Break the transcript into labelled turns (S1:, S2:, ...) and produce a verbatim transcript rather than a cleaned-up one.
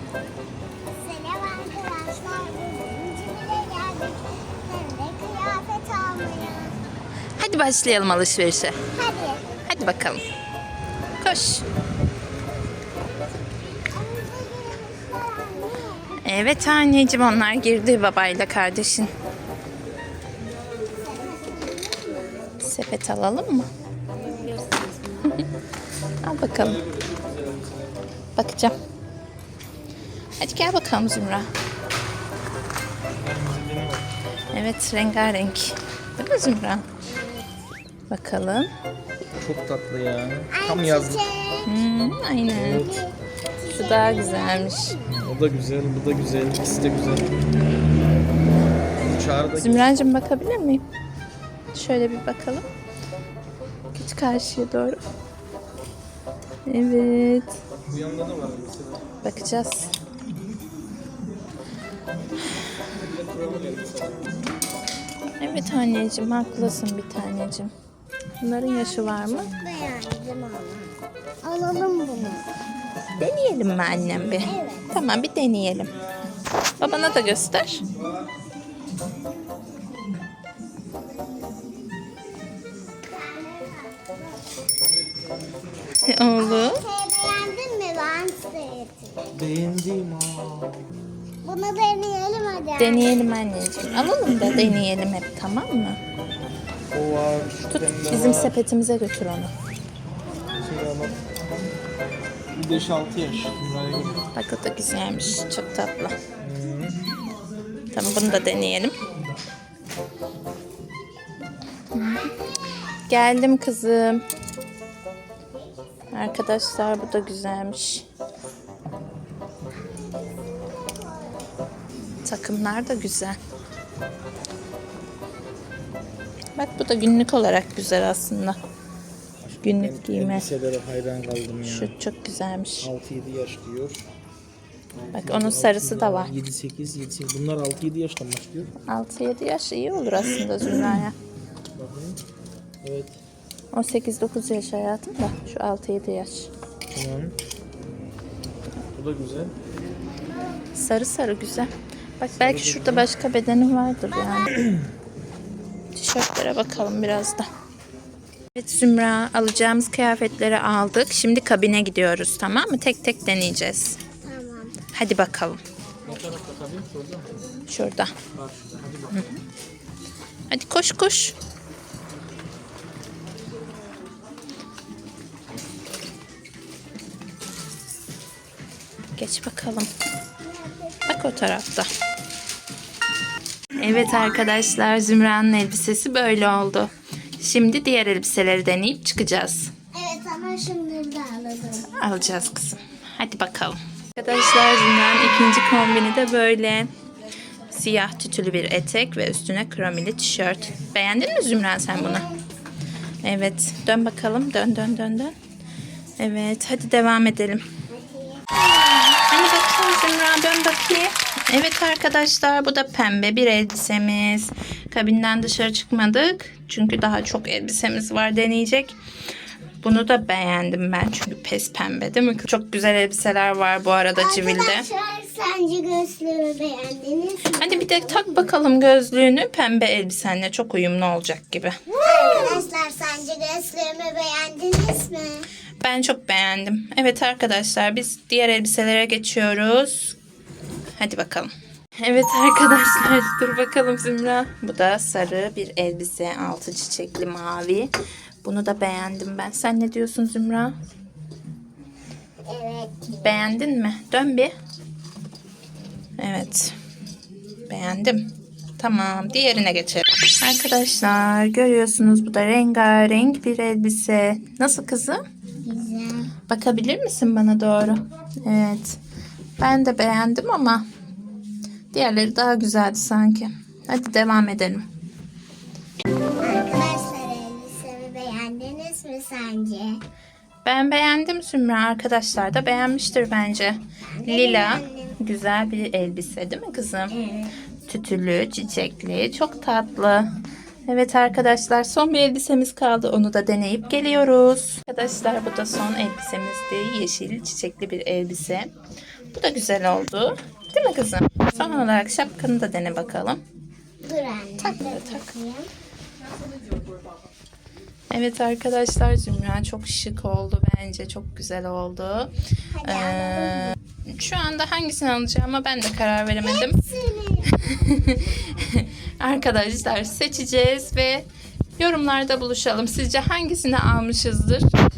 S1: Selam arkadaşlar. Bugün Cibile geldik. Hem de kıyafet almaya.
S2: Hadi başlayalım alışverişe.
S1: Hadi.
S2: Hadi bakalım. Koş. Evet anneciğim, onlar girdi babayla kardeşin. Sepet alalım mı? Al bakalım. Bakacağım. Hadi gel bakalım Zümra. Evet, rengarenk. Değil mi Zümra? Bakalım.
S3: Çok tatlı ya. Tam yazlık.
S2: Hmm, aynen.
S3: Evet.
S2: Şu daha güzelmiş.
S3: O da güzel, bu da güzel. İkisi de güzel. Çağrı da
S2: Zümracığım, bakabilir miyim? Şöyle bir bakalım. Geç karşıya doğru. Evet.
S3: bu yanında da var mesela.
S2: Bakacağız. Evet anneciğim, haklısın bir taneciğim. Bunların yaşı var mı?
S1: Beğendim ama. Alalım bunu.
S2: Deneyelim mi annem bir?
S1: Evet.
S2: Tamam, bir deneyelim. Babana da göster. Oğlum.
S1: Şey beğendin mi? Ben sevdim.
S3: Beğendim ha.
S1: Bunu deneyelim hadi.
S2: Deneyelim anneciğim. Alalım da deneyelim hep, tamam mı?
S3: O var. Şu
S2: Tut,
S3: pembe
S2: bizim
S3: var.
S2: sepetimize götür onu.
S3: Şey ama. beş altı yaş. Bunlara göre.
S2: Bak, o da güzelmiş. Çok tatlı. Tamam, bunu da deneyelim. Geldim kızım. Arkadaşlar, bu da güzelmiş. Takımlar da güzel. Bak, bu da günlük olarak güzel aslında. Günlük giyme.
S3: Elbiselere hayran kaldım ya.
S2: Şu çok güzelmiş.
S3: altı yedi yaş diyor.
S2: Bak, onun sarısı da var.
S3: yedi sekiz, yedi sekiz. Bunlar altı yedi yaştan başlıyor.
S2: altı yedi yaş iyi olur aslında Zümra'ya.
S3: Bakın. Evet.
S2: on sekiz dokuz yaş hayatım da şu altı yedi yaş.
S3: Tamam. Bu da güzel.
S2: Sarı sarı güzel. Bak, belki şurada başka bedeni vardır yani. Tişörtlere bakalım biraz da. Evet Zümra, alacağımız kıyafetleri aldık. Şimdi kabine gidiyoruz, tamam mı? Tek tek deneyeceğiz.
S1: Tamam.
S2: Hadi bakalım.
S3: Ne tarafta tabii? Şurada mı?
S2: Şurada.
S3: Var şurada. Hadi bakalım.
S2: Hadi koş koş. Geç bakalım. Bak, o tarafta. Evet arkadaşlar, Zümra'nın elbisesi böyle oldu. Şimdi diğer elbiseleri deneyip çıkacağız.
S1: Evet ama şunları da alalım.
S2: Alacağız kızım. Hadi bakalım. Arkadaşlar, Zümra'nın ikinci kombini de böyle. Siyah tütülü bir etek ve üstüne kromili tişört. Beğendin mi Zümra sen bunu? Evet. Dön bakalım. Dön dön dön dön. Evet. Hadi devam edelim. Hani bakayım Zümra, dön bakayım. Evet arkadaşlar, bu da pembe bir elbisemiz. Kabinden dışarı çıkmadık. Çünkü daha çok elbisemiz var deneyecek. Bunu da beğendim ben çünkü pes pembe, değil mi? Çok güzel elbiseler var bu arada Civil'de.
S1: Arkadaşlar, sence gözlüğümü beğendiniz mi?
S2: Hadi bir de tak bakalım gözlüğünü, pembe elbisenle çok uyumlu olacak gibi.
S1: Arkadaşlar, sence gözlüğümü beğendiniz mi?
S2: Ben çok beğendim. Evet arkadaşlar, biz diğer elbiselere geçiyoruz. Hadi bakalım. Evet arkadaşlar, dur bakalım Zümra. Bu da sarı bir elbise, altı çiçekli mavi. Bunu da beğendim ben. Sen ne diyorsun Zümra?
S1: Evet.
S2: Beğendin mi? Dön bir. Evet. Beğendim. Tamam, diğerine geçelim. Arkadaşlar, görüyorsunuz, bu da rengarenk bir elbise. Nasıl kızım?
S1: Güzel.
S2: Bakabilir misin bana doğru? Evet. Ben de beğendim ama diğerleri daha güzeldi sanki. Hadi devam edelim.
S1: Arkadaşlar, elbisemi beğendiniz mi sence?
S2: Ben beğendim Zümra. Arkadaşlar da beğenmiştir bence. Lila.
S1: beğendim.
S2: Güzel bir elbise, değil mi kızım?
S1: Evet.
S2: Tütülü, çiçekli. Çok tatlı. Evet arkadaşlar, son bir elbisemiz kaldı. Onu da deneyip geliyoruz. Arkadaşlar, bu da son elbisemizdi. Yeşil çiçekli bir elbise. Bu da güzel oldu. Değil mi kızım? Son olarak şapkanı da dene bakalım.
S1: Dur anne.
S2: Tak,
S1: dur
S2: tak.
S1: bakayım.
S2: Evet arkadaşlar, Zümra çok şık oldu bence. Çok güzel oldu.
S1: Hadi
S2: Ee, şu anda hangisini alacağıma ben de karar veremedim.
S1: Hepsini.
S2: Arkadaşlar seçeceğiz ve yorumlarda buluşalım. Sizce hangisini almışızdır?